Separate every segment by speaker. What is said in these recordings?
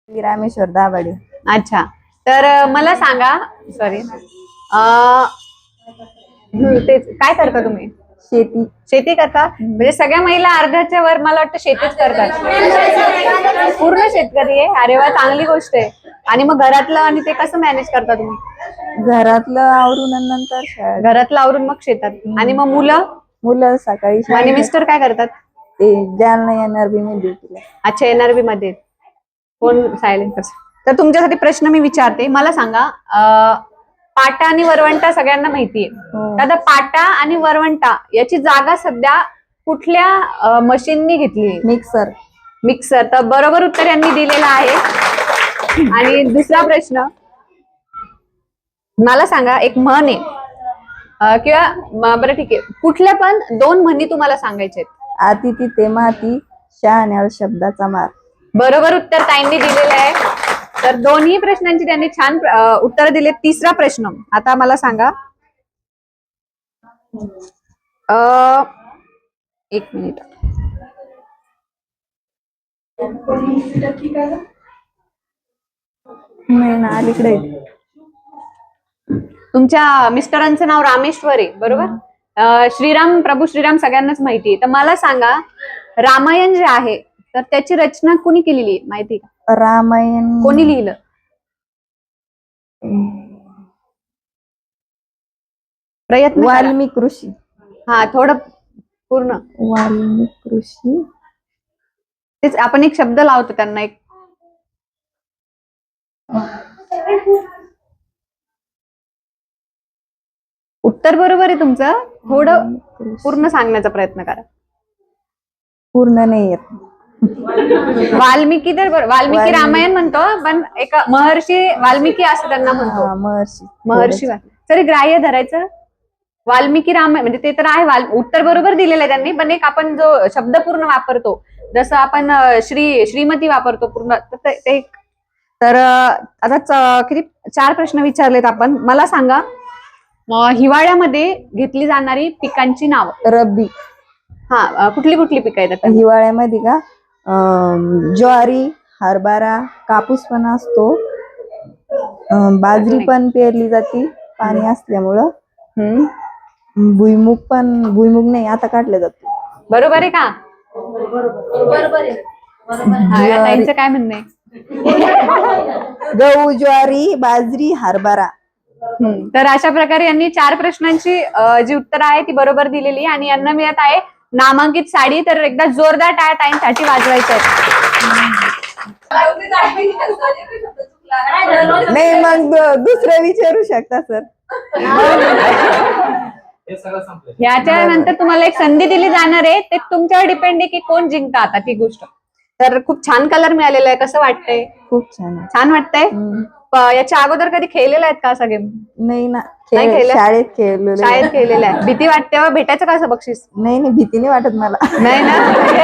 Speaker 1: रामेश्वर दाभाडे.
Speaker 2: अच्छा, तर मला सांगा. सॉरी, तेच काय करता तुम्ही?
Speaker 1: शेती.
Speaker 2: शेती करता? म्हणजे सगळ्या महिला अर्ध्याच्या वर मला वाटतं शेतीच करतात. पूर्ण शेतकरी आहे. अरे वा, चांगली गोष्ट आहे. आणि मग घरातलं आणि ते कसं मॅनेज करता तुम्ही?
Speaker 1: घरातलं आवरून आणि नंतर शाळेत.
Speaker 2: घरातलं आवरून मग शेतात. आणि मग
Speaker 1: मुलं सकाळी
Speaker 2: आणि
Speaker 1: शाळेत.
Speaker 2: मिस्टर काय करतात?
Speaker 1: ते जालना NRB मध्ये.
Speaker 2: अच्छा, NRB मध्ये. कोण सायलेंट? तर तुमच्यासाठी प्रश्न मी विचारते. मला सांगा, पाटा आणि वरवंटा सगळ्यांना माहितीये.
Speaker 1: हो.
Speaker 2: आता पाटा आणि वरवंटा याची जागा सध्या कुठल्या मशीननी घेतली?
Speaker 1: मिक्सर.
Speaker 2: मिक्सर. तर बरोबर उत्तर यांनी दिलेलं आहे. आणि दुसरा प्रश्न मला सांगा, एक म्हण आहे किंवा बरं ठीक आहे, कुठल्या पण दोन म्हणी तुम्हाला सांगायचे आहेत.
Speaker 1: आती तिथे माती, शहाण्यावर शब्दाचा मार.
Speaker 2: बरोबर उत्तर ताईंनी दिलेलं आहे. तर दोन्ही प्रश्नांची त्यांनी छान उत्तर दिले. तिसरा प्रश्न आता मला सांगा. एक मिनिट.
Speaker 1: नाही ना, अलीकडे.
Speaker 2: तुमच्या मिस्टरांचं नाव रामेश्वर आहे, बरोबर? श्रीराम, प्रभू श्रीराम सगळ्यांनाच माहिती आहे. तर मला सांगा, रामायण जे आहे तर त्याची रचना कोणी केलेली माहिती का?
Speaker 1: रामायण
Speaker 2: कोणी लिहिलं? प्रयत्न करा.
Speaker 1: वाल्मिक ऋषी.
Speaker 2: हा, थोडं पूर्ण.
Speaker 1: वाल्मिक ऋषी.
Speaker 2: तेच आपण एक शब्द लावतो त्यांना. एक उत्तर बरोबर आहे तुमचं. थोडं पूर्ण सांगण्याचा प्रयत्न करा.
Speaker 1: पूर्ण नाही येत.
Speaker 2: वाल्मिकी तर वाल्मिकी रामायण म्हणतो, पण एक महर्षी वाल्मिकी असं त्यांना म्हणतो. महर्षी तरी ग्राह्य धरायचं. वाल्मिकी रामायण म्हणजे ते तर आहे. उत्तर बरोबर दिलेलं आहे त्यांनी, पण एक आपण जो शब्द पूर्ण वापरतो, जसं आपण श्रीमती वापरतो पूर्ण, ते. तर आता किती 4 प्रश्न विचारलेत आपण. मला सांगा, हिवाळ्यामध्ये घेतली जाणारी पिकांची नाव.
Speaker 1: रब्बी.
Speaker 2: हा, कुठली कुठली पिकं येतात
Speaker 1: हिवाळ्यामध्ये का? ज्वारी, हरभरा, कापूस पण असतो, बाजरी पण पेरली जाते पाणी असल्यामुळं. भुईमुग नाही, आता काढलं जातो.
Speaker 2: बरोबर आहे का? बरोबर आहे. ताईंचं काय म्हणणं आहे?
Speaker 1: गहू, ज्वारी, बाजरी, हरभरा.
Speaker 2: तर अशा प्रकारे यांनी 4 प्रश्नांची जी उत्तर आहे ती बरोबर दिलेली, आणि यांना मिळत आहे नामांकित साडी. तर एकदा जोरदार टाळ्या ताईंसाठी वाजवायचं.
Speaker 1: नाही, मग दुसरं विचारू शकता सर.
Speaker 2: याच्या नंतर तुम्हाला एक संधी दिली जाणार आहे. ते तुमच्यावर डिपेंड आहे की कोण जिंकता आता ती गोष्ट. तर खूप छान कलर मिळालेला आहे. कसं वाटतंय?
Speaker 1: खूप छान.
Speaker 2: छान वाटतंय. याच्या अगोदर कधी खेळलेले आहेत का सगळे?
Speaker 1: नाही ना,
Speaker 2: शाळेत
Speaker 1: खेळलेलं
Speaker 2: खेळलेलं आहे. भीती वाटते भेटायचं का असं बक्षीस?
Speaker 1: नाही, भीती नाही वाटत मला.
Speaker 2: नाही ना.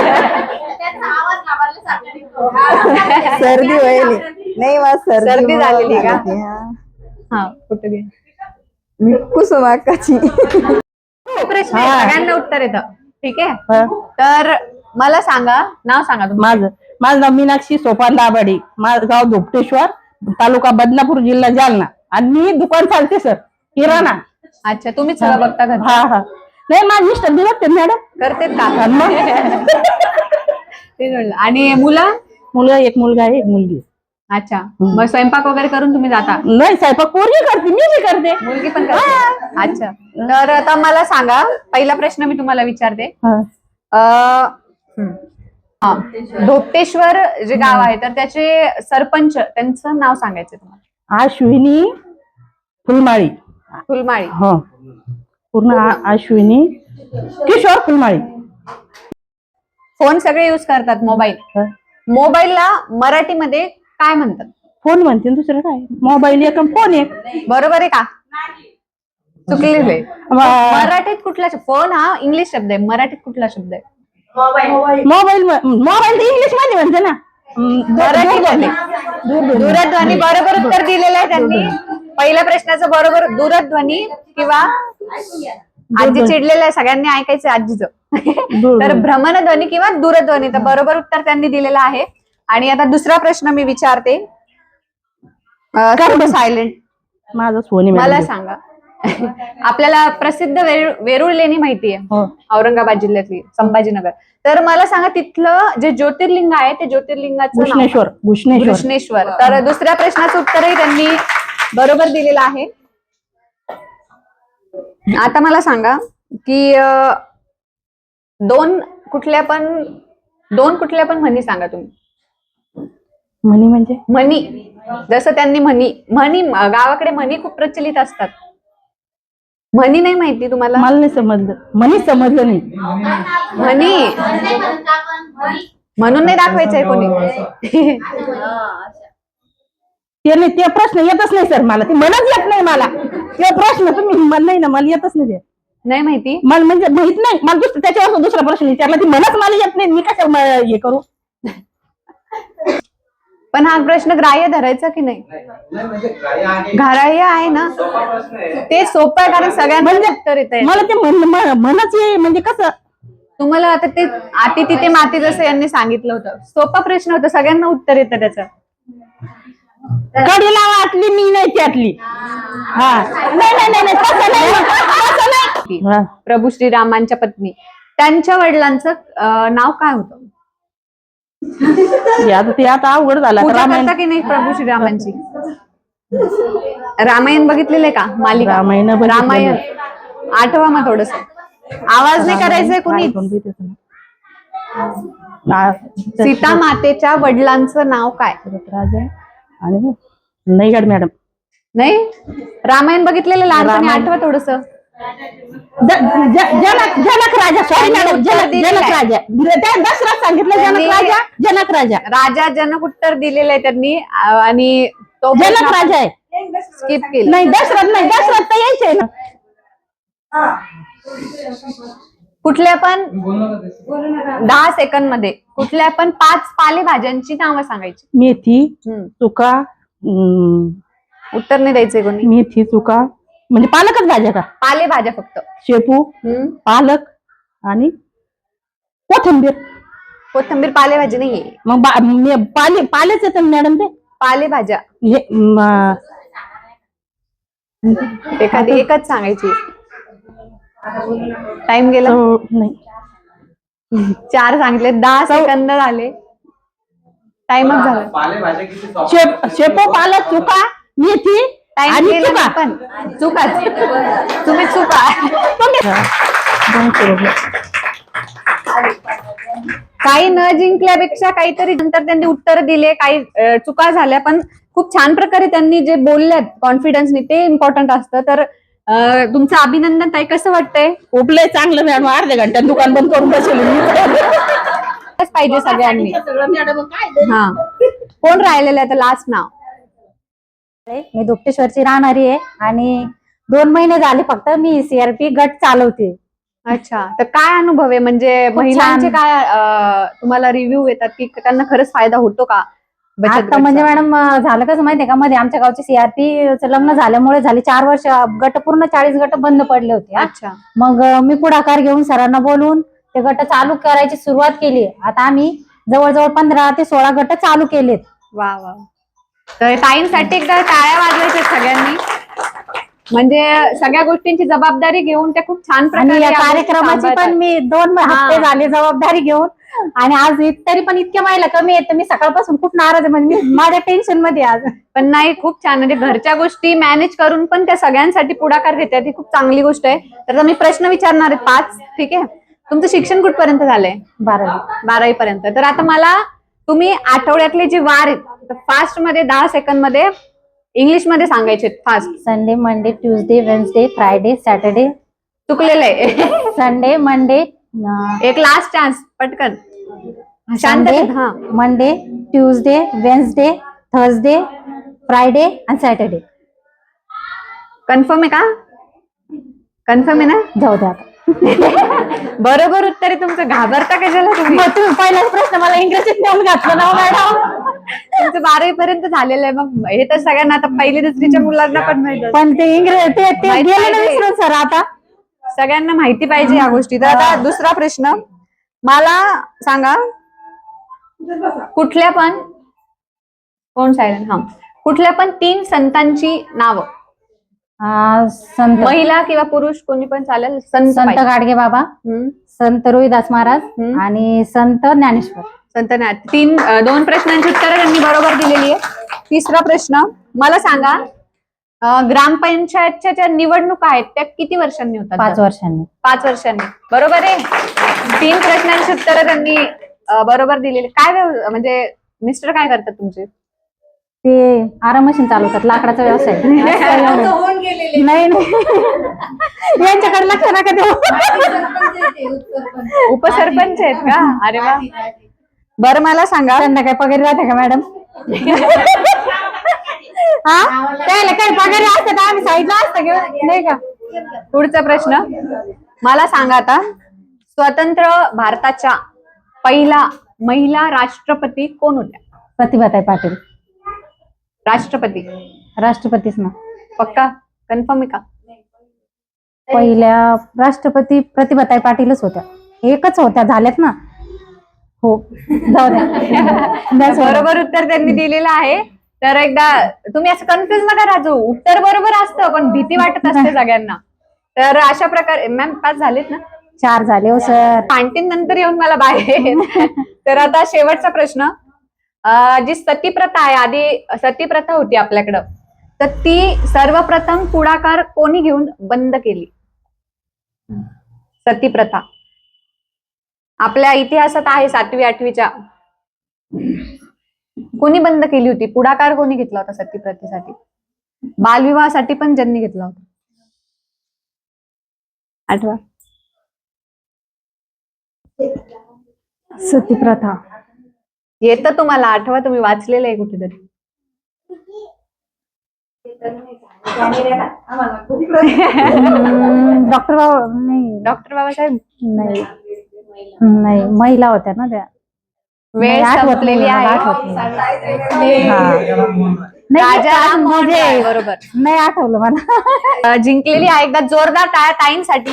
Speaker 1: सर्दी व्हायली. नाही,
Speaker 2: सर्दी झालेली का? हा, कुठे गे
Speaker 1: मी कुसुमाकाची.
Speaker 2: प्रश्न सगळ्यांना उत्तर येतं. ठीक आहे. तर मला सांगा, नाव सांगा तुमचं.
Speaker 3: माझं नाव मीनाक्षी सोपान दाभाडे. माझं गाव धोपटेश्वर, तालुका बदनापूर, जिल्हा जालना. आणि मी दुकान चालते सर, किराणा.
Speaker 2: अच्छा, तुम्हीच सगळं बघता का?
Speaker 3: हा हा. नाही, माझी मिस्टर दिवस मॅडम
Speaker 2: करतेत का? ते जोडलं. आणि
Speaker 3: मुलं एक मुलगा आहे, एक मुलगी.
Speaker 2: अच्छा, मग स्वयंपाक वगैरे करून तुम्ही जाता?
Speaker 3: नाही, स्वयंपाक पोरगी करते, मी बी करते.
Speaker 2: मुलगी पण करते. अच्छा, तर आता मला सांगा, पहिला प्रश्न मी तुम्हाला विचारते. धोपटेश्वर जे गाव आहे तर त्याचे सरपंच, त्यांचं नाव सांगायचं तुम्हाला.
Speaker 3: अश्विनी फुलमाळी.
Speaker 2: फुलमाळी.
Speaker 3: हो, पूर्ण अश्विनी किशोर फुलमाळी.
Speaker 2: फोन सगळे युज करतात. मोबाईलला मराठीमध्ये काय म्हणतात?
Speaker 3: फोन म्हणते, दुसरं काय? मोबाईल एक, फोन एक.
Speaker 2: बरोबर आहे का? चुकलेलं आहे. मराठीत कुठला फोन हा इंग्लिश शब्द आहे, मराठीत कुठला शब्द आहे?
Speaker 3: मोबाईल तर इंग्लिश मध्ये म्हणते ना.
Speaker 2: दूरध्वनी. बरोबर उत्तर दिलेलं आहे त्यांनी. पहिल्या प्रश्नाचं बरोबर दूरध्वनी, किंवा आजी चिडलेलं आहे, सगळ्यांनी ऐकायचं आजीचं. तर भ्रमणध्वनी किंवा दूरध्वनी. तर बरोबर उत्तर त्यांनी दिलेलं आहे. आणि आता दुसरा प्रश्न मी विचारते. सायलेंट.
Speaker 3: माझं सोनी
Speaker 2: मला
Speaker 3: मॅडम.
Speaker 2: सांगा, आपल्याला प्रसिद्ध वेरूळ लेणी माहितीये,
Speaker 3: हो.
Speaker 2: औरंगाबाद जिल्ह्यातली, संभाजीनगर. तर मला सांगा तिथलं जे ज्योतिर्लिंग आहे ते ज्योतिर्लिंगाचं नाव
Speaker 3: घुष्णेश्वर.
Speaker 2: काय?
Speaker 3: घुष्णेश्वर.
Speaker 2: घृष्णेश्वर. तर दुसऱ्या प्रश्नाचं उत्तरही त्यांनी बरोबर दिलेलं आहे. आता मला सांगा की दोन कुठल्या पण म्हणी सांगा तुम्ही.
Speaker 3: म्हणी म्हणजे
Speaker 2: म्हणी, जसं त्यांनी म्हणी गावाकडे म्हणी खूप प्रचलित असतात. म्हणी नाही माहिती तुम्हाला?
Speaker 3: मला नाही समजलं. म्हणी समजलं नाही.
Speaker 2: म्हणी म्हणून नाही दाखवायचंय कोणी.
Speaker 3: ते प्रश्न येतच नाही सर मला. ते म्हणच येत नाही मला. ते प्रश्न तुम्ही नाही ना, मला येतच नाही ते.
Speaker 2: नाही माहिती
Speaker 3: मला म्हणजे माहित नाही. मला त्याच्यावर दुसरा प्रश्न विचारला. ती म्हणच मला येत नाही. मी कसं हे करू?
Speaker 2: पण हा प्रश्न ग्राह्य धरायचा की नाही? ग्राह्य आहे ना. ते सोपं आहे कारण सगळ्यांना उत्तर येत आहे.
Speaker 3: मला ते म्हणच म्हणजे कसं
Speaker 2: तुम्हाला आता ते आती तिथे माती जसं यांनी सांगितलं होतं. सोपा प्रश्न होता, सगळ्यांना उत्तर येतं त्याचं.
Speaker 3: कडीला वाटली मी नाही त्यातली. हा नाही तसं नाही.
Speaker 2: प्रभू श्रीरामांच्या पत्नी, त्यांच्या वडिलांचं नाव काय होतं?
Speaker 3: ते आता अवघड झाला.
Speaker 2: पूजा करता की नाही प्रभू श्रीरामांची? रामायण बघितलेलं का? मालिका रामायण. आठवा मग थोडस. आवाज नाही करायचंय कुणी. सीता मातेच्या वडिलांचं नाव काय?
Speaker 3: राजा आणि नाही मॅडम.
Speaker 2: नाही, रामायण बघितलेलं लहानपणी. आठवा थोडस.
Speaker 3: जनक राजा. Sorry madam. जनक राजा. दशरथ सांगितलं. जनक राजा.
Speaker 2: राजा जनक उत्तर दिलेलं आहे त्यांनी आणि तो
Speaker 3: जनक राजा आहे.
Speaker 2: स्किप केलं.
Speaker 3: नाही दशरथ नाही. दशरथ तर यायचंय ना.
Speaker 2: कुठल्या पण 10 सेकंद मध्ये कुठल्या पण 5 पालेभाज्यांची नावं सांगायची.
Speaker 3: मेथी, चुका.
Speaker 2: उत्तर नाही द्यायचंय कोणी.
Speaker 3: मेथी, चुका म्हणजे पालकच भाज्या का?
Speaker 2: पालेभाज्या फक्त.
Speaker 3: शेपू, पालक आणि कोथिंबीर.
Speaker 2: कोथिंबीर पालेभाजी नाहीये.
Speaker 3: मग पालेच येतं मॅडम. ते
Speaker 2: पालेभाज्या एखादी एकच सांगायची. टाइम गेला.
Speaker 3: नाही
Speaker 2: 4 सांगितले. 10 सेकंद झाले. टाइमच झाला.
Speaker 3: शेपू, पालक, चुका, मेथी
Speaker 2: टाइम गेला. पण चुकाच तुम्ही चुका. काही न जिंकल्यापेक्षा काहीतरी नंतर त्यांनी उत्तर दिले. काही चुका झाल्या पण खूप छान प्रकारे त्यांनी जे बोलल्यात कॉन्फिडन्सनी ते इम्पॉर्टंट असतं. तर तुमचं अभिनंदन ताई. कसं वाटतंय?
Speaker 3: खूप लय चांगलं मॅडम. अर्ध्या घंट्यात दुकान बंद करून बसले
Speaker 2: पाहिजे सगळ्यांनी. हा, कोण राहिलेलं आहे लास्ट नाव?
Speaker 4: मी दुप्तेश्वरची राहणारी आहे आणि 2 महिने झाले फक्त मी सीआरपी गट चालवते.
Speaker 2: अच्छा, तर काय अनुभव आहे? म्हणजे महिलांचे काय तुम्हाला रिव्ह्यू येतात की त्यांना खरंच फायदा होतो का?
Speaker 4: आता म्हणजे मॅडम झालं कसं माहितीये का, मध्ये आमच्या गावचे सीआरपीचं लग्न झाल्यामुळे झाले 4 वर्ष गट पूर्ण 40 गट बंद पडले होते.
Speaker 2: अच्छा,
Speaker 4: मग मी पुढाकार घेऊन सरांना बोलून ते गट चालू करायची सुरुवात केली. आता आम्ही जवळजवळ 15 ते 16 गट चालू केलेत.
Speaker 2: वा वा. तर टाईमसाठी एकदा टाळ्या वाजवायच्या सगळ्यांनी. म्हणजे सगळ्या गोष्टींची जबाबदारी घेऊन त्या खूप छान प्रकारे
Speaker 4: या कार्यक्रमाची पण मी 2 हप्ते झाले जबाबदारी घेऊन. आणि आज तरी पण इतक्या महिला कमी आहेत. मी सकाळपासून खूप नाराज आहे. म्हणजे माझ्या टेन्शन मध्ये आज.
Speaker 2: पण नाही, खूप छान. म्हणजे घरच्या गोष्टी मॅनेज करून पण त्या सगळ्यांसाठी पुढाकार घेतात. ही खूप चांगली गोष्ट आहे. तर मी प्रश्न विचारणार आहे 5. ठीक आहे. तुमचं शिक्षण कुठपर्यंत झालंय? 12वी पर्यंत. तर आता मला तुम्ही आठवड्यातले जे वार आहेत फास्ट मध्ये 10 सेकंद मध्ये इंग्लिश मध्ये सांगायचे. Fast.
Speaker 4: Sunday, Monday, Tuesday, Wednesday, Friday, Saturday.
Speaker 2: चुकलेलं आहे.
Speaker 4: Sunday, Monday.
Speaker 2: एक लास्ट चान्स. पटकन.
Speaker 4: Sunday, Monday, Tuesday, Wednesday, Thursday, Friday आणि सॅटर्डे.
Speaker 2: कन्फर्म आहे का? कन्फर्म आहे ना?
Speaker 4: जाऊ द्या.
Speaker 2: बरोबर उत्तर आहे तुमचं. घाबरता कशाला तुम्ही?
Speaker 4: तुम्ही पहिलाच प्रश्न मला इंग्रजीत नेऊन घातलं ना मॅडम.
Speaker 2: तुमचं 12वी पर्यंत झालेलं आहे. मग हे तर सगळ्यांना आता 1ली 2रीच्या मुलांना पण माहिती.
Speaker 4: पण ते इंग्रजी ते गेले ना विसरून सर. आता
Speaker 2: सगळ्यांना माहिती पाहिजे या गोष्टी. तर आता दुसरा प्रश्न मला सांगा. कुठल्या पण कोण सायलेंट? हा, कुठल्या पण 3 संतांची नावं,
Speaker 4: संत
Speaker 2: महिला किंवा पुरुष कोणी पण चालेल, संत
Speaker 4: संत
Speaker 2: पाहिजे.
Speaker 4: गाडगे बाबा,
Speaker 2: हम्म,
Speaker 4: संत रोहिदास महाराज
Speaker 2: हम्म.
Speaker 4: आणि संत ज्ञानेश्वर.
Speaker 2: संत नाही. 2 प्रश्नांची उत्तरं त्यांनी बरोबर दिलेली आहे. तिसरा प्रश्न मला सांगा, ग्रामपंचायतच्या ज्या निवडणुका आहेत त्या किती वर्षांनी होतात?
Speaker 4: 5 वर्षांनी.
Speaker 2: 5 वर्षांनी. बरोबर आहे. 3 प्रश्नांची उत्तरं त्यांनी बरोबर दिलेली. काय म्हणजे मिस्टर काय करतात तुमचे?
Speaker 4: ते आराम मशीन चालवतात, लाकडाचा व्यवसाय. नाही नाही. यांच्याकडे लक्ष नका देऊ.
Speaker 2: उपसरपंच आहेत का? अरे वा. बरं मला सांगा,
Speaker 4: त्यांना काय पगारी राहते का मॅडम? हा, त्याला काय पगारी असते तर आम्ही साईडला असतं घेऊन, नाही का?
Speaker 2: पुढचा प्रश्न मला सांगा आता, स्वतंत्र भारताच्या पहिला महिला राष्ट्रपती कोण होत्या?
Speaker 4: प्रतिभाताई पाटील.
Speaker 2: राष्ट्रपती
Speaker 4: राष्ट्रपतीच ना.
Speaker 2: पक्का कन्फर्म आहे का?
Speaker 4: पहिल्या राष्ट्रपती प्रतिभाताई पाटीलच होत्या. एकच होत्या, झाल्यात ना. हो, जाऊ द्या.
Speaker 2: बरोबर उत्तर त्यांनी दिलेलं आहे. तर एकदा तुम्ही असं कन्फ्युज नका राजू, उत्तर बरोबर असतं पण भीती वाटत असते सगळ्यांना. तर अशा प्रकारे मॅम 5 झालेत ना?
Speaker 4: 4 झाले हो सर.
Speaker 2: आणखीन नंतर येऊन मला बाहेर. तर आता शेवटचा प्रश्न, जी सतीप्रथा आहे, आधी सतीप्रथा होती आपल्याकडं, तर ती सर्वप्रथम पुढाकार कोणी घेऊन बंद केली? सतीप्रथा आपल्या इतिहासात आहे 7वी 8वीच्या. कोणी बंद केली होती? पुढाकार कोणी घेतला होता सतीप्रथेसाठी? बालविवाहासाठी पण ज्यांनी घेतला होता, आठवा.
Speaker 4: सतीप्रथा
Speaker 2: येतं तुम्हाला, आठवा, तुम्ही वाचलेलं आहे कुठेतरी.
Speaker 4: डॉक्टर नाही.
Speaker 2: डॉक्टर बाबासाहेब
Speaker 4: नाही नाही, महिला होत्या ना त्या.
Speaker 2: वेळ
Speaker 4: नाही, आठवत
Speaker 2: संपलेली
Speaker 4: नाही,
Speaker 2: आहे.
Speaker 4: आठवत नाही. नाही,
Speaker 2: राजा राम मोहन
Speaker 4: म्हणजे
Speaker 2: राय, बरोबर.
Speaker 4: नाही आठवलं मला.
Speaker 2: जिंकलेली आहे. एकदा जोरदार टाळ्या ताईंसाठी.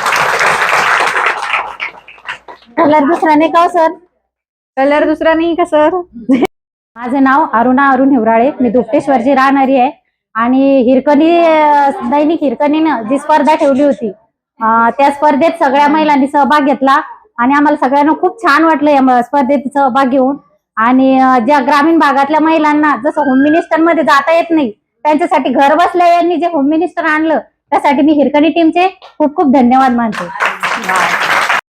Speaker 4: कलर दुसरा नाही का सर?
Speaker 2: कलर दुसरा नाही का सर?
Speaker 4: माझे नाव अरुणा अरुण हिवराळे. मी दुपटेश्वरची राहणारी आहे. आणि हिरकणी दैनिक हिरकणीनं जी स्पर्धा ठेवली होती, त्या स्पर्धेत सगळ्या महिलांनी सहभाग घेतला आणि आम्हाला सगळ्यांना खूप छान वाटलं या स्पर्धेत सहभाग घेऊन. आणि ज्या ग्रामीण भागातल्या महिलांना जसं होम मिनिस्टर मध्ये जाता येत नाही, त्यांच्यासाठी घर बसल्या यांनी जे होम मिनिस्टर आणलं, त्यासाठी मी हिरकणी टीमचे खूप खूप धन्यवाद मानते.